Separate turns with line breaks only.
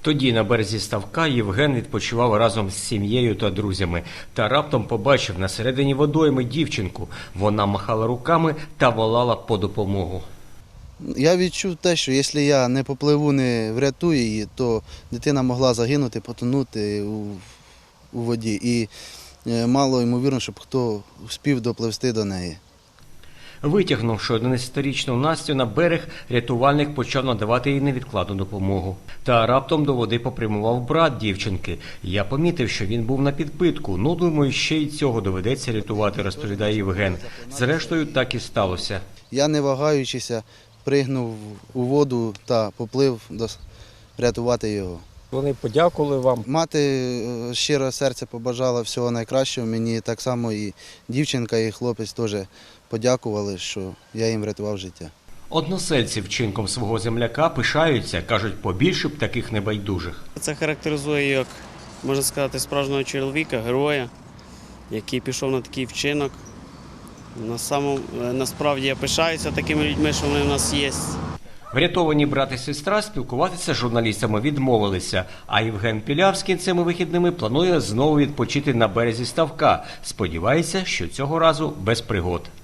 Тоді на березі ставка Євген відпочивав разом з сім'єю та друзями. Та раптом побачив на середині водойми дівчинку. Вона махала руками та волала по допомогу.
Я відчув те, що якщо я не попливу, не врятую її, то дитина могла загинути, потонути у воді. І мало ймовірно, щоб хто встиг допливти до неї.
Витягнувши 11-річну Настю на берег, рятувальник почав надавати їй невідкладну допомогу. Та раптом до води попрямував брат дівчинки. Я помітив, що він був на підпитку. Ну, думаю, ще й цього доведеться рятувати, розповідає Євген. Зрештою, так і сталося.
Я, не вагаючися, пригнув у воду та поплив рятувати його.
Вони подякували вам.
Мати щиро серце побажала всього найкращого. Мені так само і дівчинка, і хлопець теж подякували, що я їм врятував життя.
Односельці вчинком свого земляка пишаються, кажуть, побільше б таких небайдужих.
Це характеризує як, можна сказати, справжнього чоловіка, героя, який пішов на такий вчинок. Насправді я пишаюся такими людьми, що вони в нас є.
Врятовані брат і сестра спілкуватися з журналістами відмовилися, а Євген Пілявський цими вихідними планує знову відпочити на березі ставка. Сподівається, що цього разу без пригод.